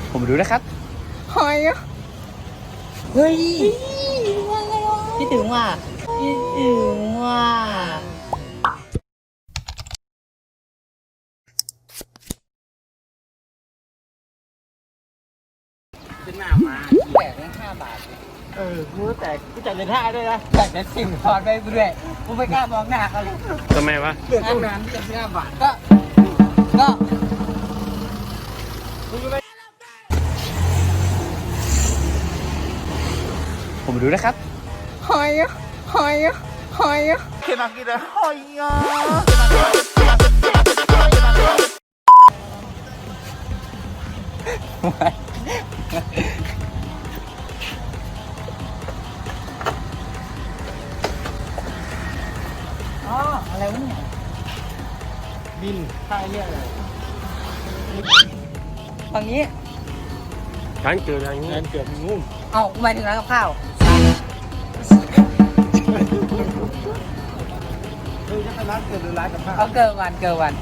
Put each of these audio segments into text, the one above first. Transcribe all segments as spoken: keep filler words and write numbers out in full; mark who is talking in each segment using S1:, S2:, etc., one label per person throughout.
S1: ผมรู้นะครับหอยเฮ้ยพี่ถึงว่าพี่ถึงว่าจะหน้ามาแจกได้ห้าบาทเออกูแต่กูจ่ายเลยท่าด้วยนะจ่ายแต่สิ่งทอนไปเรื่อยกูไม่กล้ามองหน้าเขาเลย
S2: ทำไมวะ
S1: เรื่องงานที่จะห้าบาทก็ก็ผมรู้นะครับหอยหอยหอยเขียนมากินเลยหอยอ๋ออะไรวะเนี่ยบินค่าเรียกอะไรฝั่งนี้
S2: ร้านเกิดอะไรเงี้ย
S1: ร้านเกิดงูเอ้าหมายถึงร้านกับข้าวคือจะเป็นร้านเกิดหรือร้านกับข้าวเอาเกิดวันเกิดวัน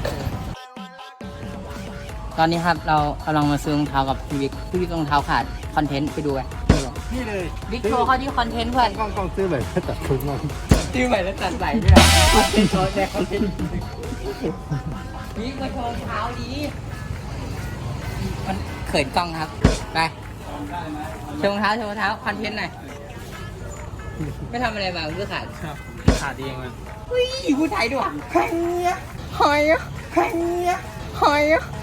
S1: ตอนนี้ครับเรากำลังมาซื้อรองเท้ากับพี่วิกพี่วิกรองเท้าขาดคอนเทนต์ไปดูกัน
S2: นี่เลย
S1: วิกโชว์เขาที่คอนเทนต์เพื่อน
S2: กล้องกล้องซื้อใหม่แล้วตัดทุนมา
S1: ซื้อใหม่แล้วตัดใส่ด้วยคอนเทนต์โชว์แต่คอนเทนต์วิกมาโชว์รองเท้าดีมันเขินกล้องครับไปโชว์รองเท้าโชว์รองเท้าคอนเทนต์หน่อยไม่ทำอะไรมาเพื่อขาด
S2: ขาดเองมัน
S1: อุ้ยพูดไทยด้วยหอยหอยหอยหอย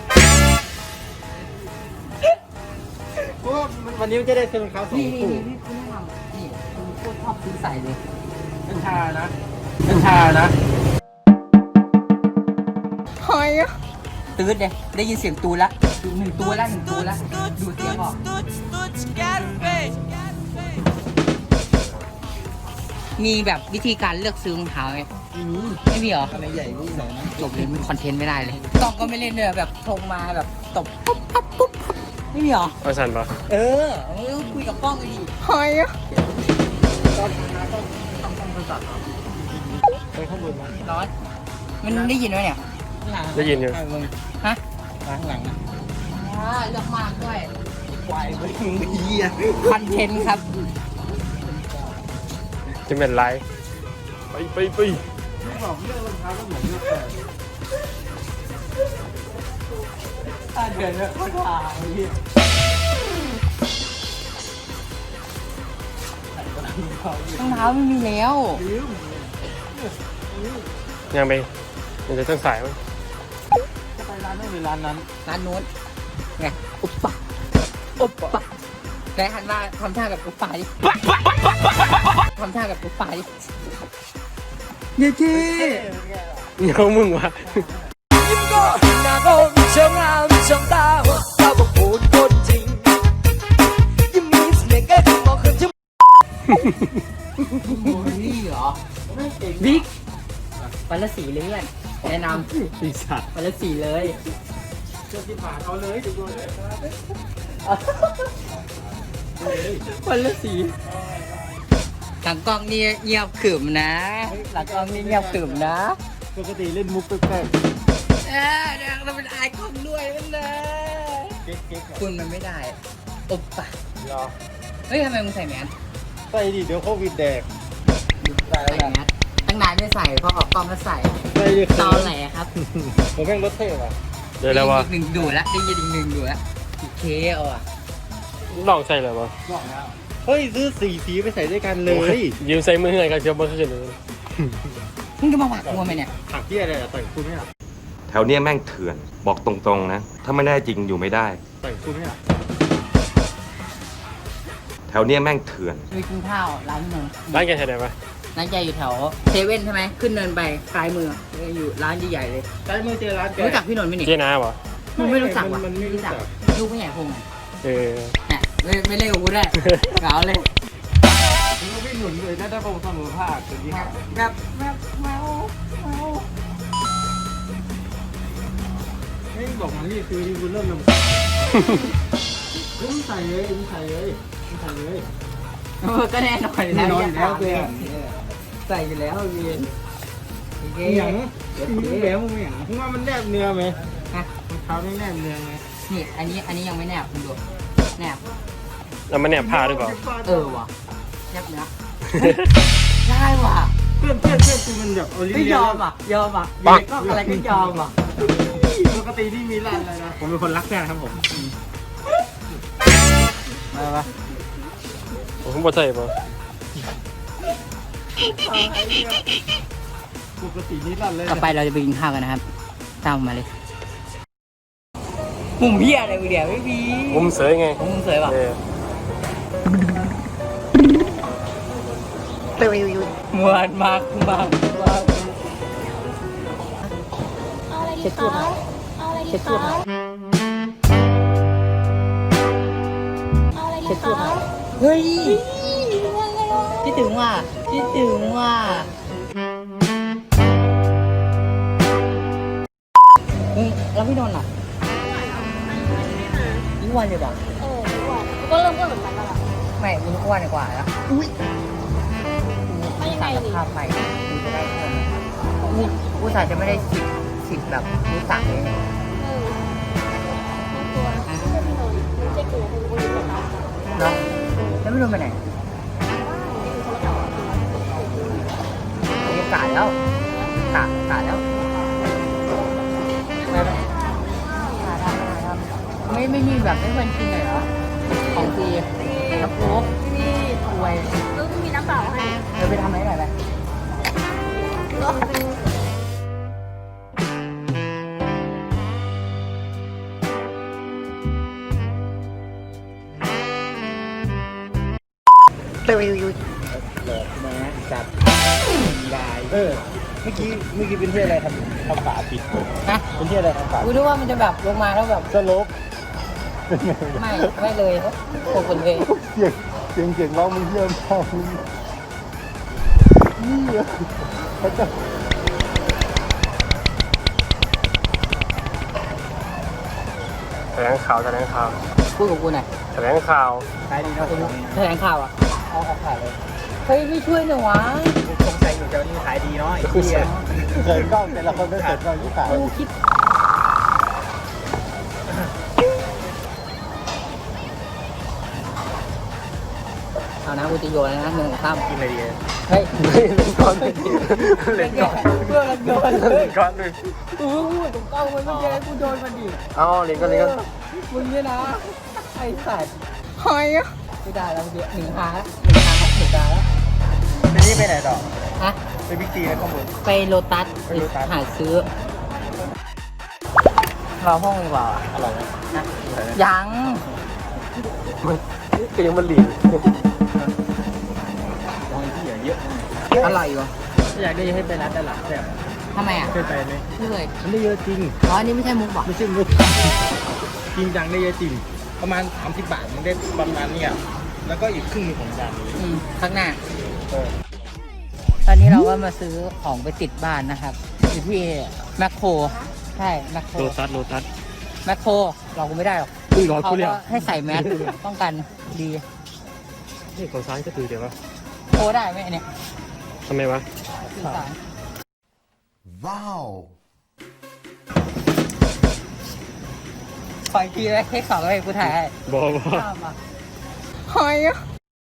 S2: ก็วันนี้มันจะได้ซื้อรองเท้าสองคู่
S1: นี่นี่นี่นี่คุณโคตรชอบซื้อใส่เลย
S2: เป็นชานะเป็นชานะ
S1: หอยตื่นเลยได้ยินเสียงตูละหนึ่งตัวละหนึ่งตัวละดูเสียงออกมีแบบวิธีการเลือกซื้อรองเท้าไหมไม่มีหรอ
S2: อะไรใหญ่นี่ไหนนะ
S1: จบเลยมันคอนเทนต์ไม่ได้เลยกล้องก็ไม่เล่นเลยแบบทงมาแบบตบปุ๊บปุ๊บปุ๊บไม่มีหรอ
S2: เอาสั่นปะ
S1: เออคุยกับกล้องเลยดิหอยตอนมาต้องต้องต้องโทรศัพท์
S2: ไปข้างบนมา
S1: ร้อนมันได้ยินไหมเนี่ย
S2: ได้ยินอยู่
S1: ฮะ
S2: ข้างหลังนะ
S1: เลือกมากด้วย
S2: วายไม่ถึงเหี้ย
S1: คอนเทนต์ครับ
S2: จะเป็นไรไปไปไปไม่บอกเรื่องรองเท้าก็เหมือนเรื่องแต่
S1: เดินแล้วก็ถ่ายรองเท้าไม่มีแล้ว
S2: ยังไปมันจะต้องสายมั้ย
S1: จะไปร้านนู้นหรือร้านนั้นร้านโน้นไงอุปปะอุปปะไหนหันมาทำท่าแบบอุปปะดิทำท่าแบบอุปปะดิเย้จี
S2: เงามึงวะยิ้มก็หน้าก็เชิงงามเชิงตาตาบอกพูดคนจริงยิ้มมีเสน่ห์แก่ถึงมองขึ้นชิม
S1: โมนี่เหรอบิ๊กวันละสีเลยเพื่อนแนะนำ
S2: ปีศาจ
S1: วันละสีเลย
S2: เจ้าที่ผ่านเอาเลยดูเลย
S1: วันละสีหลังกล้องนี่เงียบขรึมนะหลังกล้องนี่เงียบขรึมนะ
S2: ปกติเล่นมุกแปลก
S1: ๆเออเดี๋ยวเราเป็นไอคอนด้วยมันเลยคุณมันไม่ได้อุปปะ
S2: รอ
S1: เฮ้ยทำไมมึงใส่แมส
S2: ใส่ดิเดี๋ยวโควิดแดก
S1: ใส่แมสตั้งนานไม่ใส่พอออกกล้องก็ใส่
S2: ใส่ดิ
S1: ตอแหลครับ
S2: ผมแม่งรถเท่ว่ะ
S1: เดี๋ยวแล้ววะหนึ่งดูละได้ยินอีกหนึ่งดูละอีกเคเอาอ่ะ
S2: ลองใส่เลยวะลองแล้วเฮ้ยซื้อสีสีไปใส่ด้วยกันเลยยืมใส่มือให้กันเชียวเมื่อคืนเลย
S1: มึงจะมาหวักมัวไหมเนี่ย
S2: หักที่อะไรอะต่อยคุณไม่หรอ
S3: แถวเนี้ยแม่งเถื่อนบอกตรงๆนะถ้าไม่แน่จริงอยู่ไม่ได้
S2: ต่อยคุณไม่หรอ
S3: แถวเนี้ยแม่งเถื่อน
S1: มีกินข้าวร้านนึง
S2: ร้านแกใช่ไหมวะ
S1: ร้านแกอยู่แถวเซเว่นใช่ไหมขึ้นเนินไปซ้ายมืออยู่ร้านใหญ่ๆเลย
S2: ซ้ายมือเจอร้านแก
S1: รู้จักพี่นนท์ไหมเนี่ย
S2: เจ๊น้าเหรอ
S1: มันไม่รู้จักว่ะไม่รู้จักลูกไม่ใหญ่พง
S2: เออ
S1: เนี่ยไม่ไม่เล่นกับกูได้เก๋าเลย
S2: มึงก็วิ่งหนุนเลยถ้าได้พงเสมอภาคตัวนี้ครับ
S1: แบบแบบเมาเมา
S2: ไม่บอกมันนี่คือที่คุณเริ่มนำมึงใส่เลยมึงใส่เลยมึงใส่เลย
S1: เออก็แน่นอน
S2: แน่นอนแล้วเพื่อน
S1: ใส่อยู่แล้วเวียน
S2: อย่างเดี๋ยวแหวมึงอย่างมึงว่ามันแนบเนื้อไหมฮะรองเท้าไม่แนบเนื้อไหม
S1: นี่อันนี้อันนี้ยังไม่แนบคุณดูแนบ
S3: แล้วมันเนี่ยผ้าหรือเปล่า
S1: เออว่ะแนบเนื้อ ได้ว่ะ
S4: เพื่อนเพื่อนเพื่อนคือมันแบบโอลิ
S1: ไม่
S4: เวี
S1: ย
S4: ย
S1: อมอ่ะยอมอ่ะอยู่ในกล้องอะไรก็ยอมอ่ะ
S4: ปกติที่มีร้านอะไรนะผมเป็นคนรักแฟนครับผม
S1: มาปะ
S3: ผมบ่ใช่ป่ะ
S4: ปกตินี่ร้านเลย
S1: ต่อไปเราจะไปกินข้าวกันนะครับตามผมมาเลยมุมเพี้ยอะไรมึงเดี๋ยวไม่มี
S3: มุมเสยไง
S1: มุมสวยป่ะ
S3: เออ
S1: มวนมากมากมาก
S5: เอาอะไรดีคะเอาอะไรดีคะเอาอะไรดีคะ
S1: เฮ้ยคิดถึงว่ะคิดถึงว่ะเฮ้ยแล้วพี่นนท์อ่ะนี่วันเลยป่ะ
S5: เอออ้วนก็เริ่มอ้วนเหมือนกันแล้วล่ะ
S1: ไม่มึงอ้วนกว่าแล้วอุ้ย
S5: ไม่ยังไง
S1: สั่ง
S5: ดิ
S1: ภาพใหม่กูจะได้เพิ่มกูกูสายจะไม่ได้สิบสิบแบบรู้สั่งเลยเนี่ย
S5: เออไม่กลัวไม่ใช่พี่นนท์ไม่ใช่กลัวคุณคุณจะตาย
S1: เนาะแล้วพี่นนท์ไปไหนบรรยากาศแล้วกาดกาดแล้วไปไหมไม่ไม่มีแบบไม่ควรกินเลยเหรอของฟรีน้ำโค้กที่ถวย
S5: เออมีน้ำเปล่าให้
S1: เดี๋ยวไปทำอะไรหน่อยไปเร็วๆมาจับได้
S4: เออเมื่อกี้เมื่อกี้เป็นที่อะไรครับทำฝาปิด
S1: นะ
S4: เป็นที่อะไรทำฝา
S1: กูนึกว่ามันจะแบบลงมาแล้วแบบ
S4: สโลป
S1: ไม่ไม่เลยโคคนเลย
S4: เสียงเสียงเสียงร้องมึงเยี่ยมมากนี่เหรอเขาจะ
S3: แถลงข่าวแถลงข่าว
S1: พูดกับกูหน่อย
S3: แถลงข่าว
S4: ขายดีนะคุณ
S1: แถลงข่าวอ่ะ
S4: เอาเอาขายเลย
S1: เฮ้ยไม่ช่วยหน่อยวะ
S4: สงสัยอยู่จะนี่ขายดีเนาะไอ้ที่เขินกล้องแต่ละคนไม่เขินกล้องที่ขาย
S1: กูคิดเอานะกูจะโยนแล้วนะหนึ่งข้าม
S4: กินอะไรดี
S1: เฮ้ย
S3: เล่นก้อนเล่นก้อน
S1: เพื่อนกันโยนเล
S3: เล่
S1: ย
S3: นก้อนเลย
S1: กูพูดถูกต้องมันไม่ใช่กูโยนมันดิ
S3: เอาเล่นก้อนเล่นก้อน
S1: มึงเนี่ยนะไอ้สัตว์หอยอ่ะไม่ได้แล้วเดี๋ยวหนึ่งหาแล้วหนึ่งหาหนึ่งหาแล้ว
S4: ไปนี่ไปไหนต่อ
S1: ฮะ
S4: ไปบิ๊กซีแล้วข้างบน
S1: ไปโลตัส
S4: ไปโลตัส
S1: หาซื้อรอห้องดีกว่า
S4: อร่อยไหม
S1: นะยัง
S3: ก็ยังมันหลีก
S4: มองที่เยอะ
S1: อร่อยอยู่
S4: อยากได้ให้ไปร้านตลาดแต่
S1: ทำไมอ่ะ
S4: เคยไปไหม
S1: ไม่เคย
S4: มันได้เยอะจริง
S1: อ๋ออันนี้ไม่ใช่มุกหรอ
S4: ไม่ใช่มุกจริงจังได้เยอะจริง ประมาณสามสิบบาทมันได้ประมาณเนี้ยแล้วก็อีกครึ่งหนึงของจานนี้
S1: อืมข้างหน้า
S4: เออ
S1: ตอนนี้เราก็มาซื้อของไปติดบ้านนะครับอยู่ที่แมคโครใช่แมคโคร
S3: โลตัสโลตัส
S1: แมคโครเราก็ไม่ได้หรอก
S3: มึงรอ
S1: เขา
S3: กูเลย
S1: ก็ให้ใส่แมสป้องกันดี
S3: นี่ของซ้ายก็ถือเดี๋ยววะ
S1: โคได้ไหมอันเนี่ย
S3: ทำไมวะ
S1: สื่อสาร
S6: ว้าว
S1: ขออีกทีเลยเทคสองเลยกูถ่ายให้
S3: บอกว่า
S1: ข้ามมาหอยอ่ะ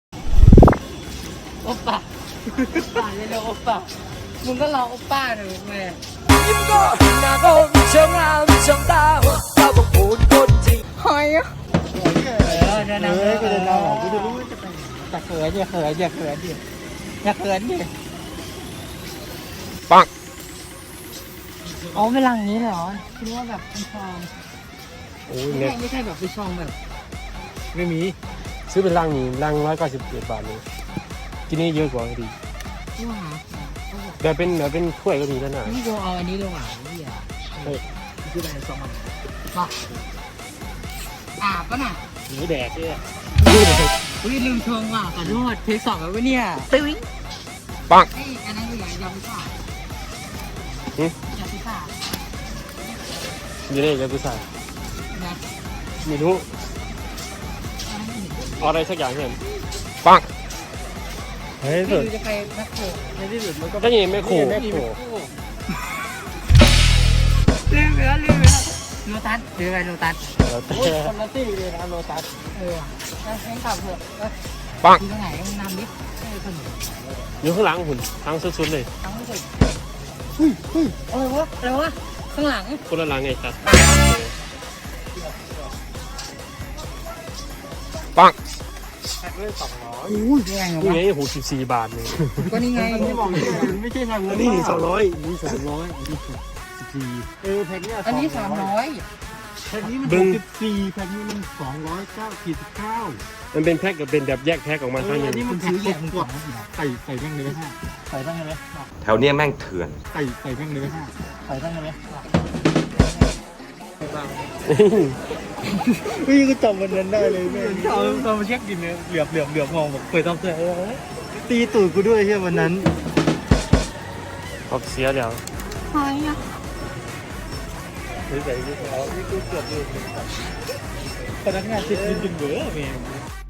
S1: โอปป้าป่าเลยเลยโอปป้ามึงก็รอโอปป้าหน่อยมึงเลย
S2: ยิ้มก็หน้าก็เชิงงามเชิงตาเจ้าบอกพูดคนจริง
S1: หอยอ่ะเออเดินนำ
S4: เฮ้ยกูจะนำของกูจะรู้ว่าจะไป
S1: อย่าเขินอย่าเขินอย่าเขินดิอย่าเขินดิ
S3: ปัง
S1: อ๋อเป็นรังนี้เหรอคิดว่าแบบเป็นซอง
S3: โอ้ย
S1: ไม่
S3: เนี่ย
S1: ใช่ไม่ใช่แบบเป็นซองแบบ
S4: ไม่มี
S3: ซื้อเป็นลังนี่ลังร้อยเก้าสิบเอ็ดบาทเลยที่นี่เยอะกว่าดี
S1: ที่ว่า
S3: แบบเป็นแบบเป็นถ้วยก็มีแล้วนะ
S1: นี่กูเอาอันนี้ดีกว่านี่อ่ะ
S3: เฮ้ย
S4: คืออะไรสองมัน
S1: มาอาบปะน่ะ
S4: หนูแดกเนี่ย
S1: อุ้ยลืมชงว่ะขอโทษเทคสองแล้ววะเนี่ย
S3: ตึ้งปัง
S1: ไอ้อันนั้นคืออะไรยำพิซซ่า
S3: หึ
S1: ยำพิซซ่า
S3: อยู่ได้ยังกูใส่
S1: นะ
S3: ไม่รู้เอาอะไรสักอย่างเห็นปัง
S4: เฮ้ย
S1: ไม่
S4: สุด
S1: รู้จะไปแมคโคร
S4: ในที่สุดมันก็
S3: ก็ยังไม่ขู่
S4: ไม่โผล่
S1: ลืมไปแล้วลืมไปแล้วโลตัสหรืออะไรโลตัส
S3: แล้วแต่
S4: โอ้ยคนละตี้เลยนะโลตัส
S1: เออแล้วให้ขับเถอะเออ
S3: ปัง
S1: ที่ตรงไหนมึงนำดิเออคน
S3: อยู่ข้างหลังหุ่นทางสุดๆเลย
S1: ทั้งไม่สุดเฮ้ยเฮ้ยอะไรวะอะไรวะข้างหลัง
S3: คนละหลังไงครับปัง
S4: แพ็คเลยสองร้อย
S1: อุ้ยแพงเหรอ
S3: นี่
S1: วะ
S3: ไงหกสิบสี่บาทนี่
S1: ก็นี่ไง
S4: นี่บอกเลยไม่ใช่แพ็ค
S3: นี่สองร้อยนี่สองร้อย
S4: เออแพ็คเนี้ย
S1: อันนี้สามร้อย
S4: แพ็คนี้มัน
S3: เบิ่
S4: ห
S3: ง
S4: กสิบสี่แพ็คนี้มันสองร้อยเก้าขีดสิบเก้า
S3: มันเป็นแพ็คกับเป็นแบบแยกแพ็คออกมา
S4: เอ
S3: ข้าง
S4: อ
S3: หนึ
S4: อั
S3: ง
S4: นนี้มันถือแยกกดใส่ใส่แม่งเลยไหมฮะใส่แม่งเลยไหม
S6: แถวเนี้ยแม่งเถื่อน
S4: ใส่ใส่แม่งเลยไหมฮะใส่แม่งเลยไหมพี่ก็จำวันนั้นได้เลยแม่เอาตอนมาเช็คกินเนี่ยเหลือบเหลือบเหลือบมองแบบเคยต้องเจอตีตูดกูด้วยใช่วันนั้น
S3: ออกเสียแล้ว
S5: หอยอ่ะ
S4: หรือใส่ยี่ห้อนี่กูเกือบลืมพนักงานติดยินจนเบื่อแม่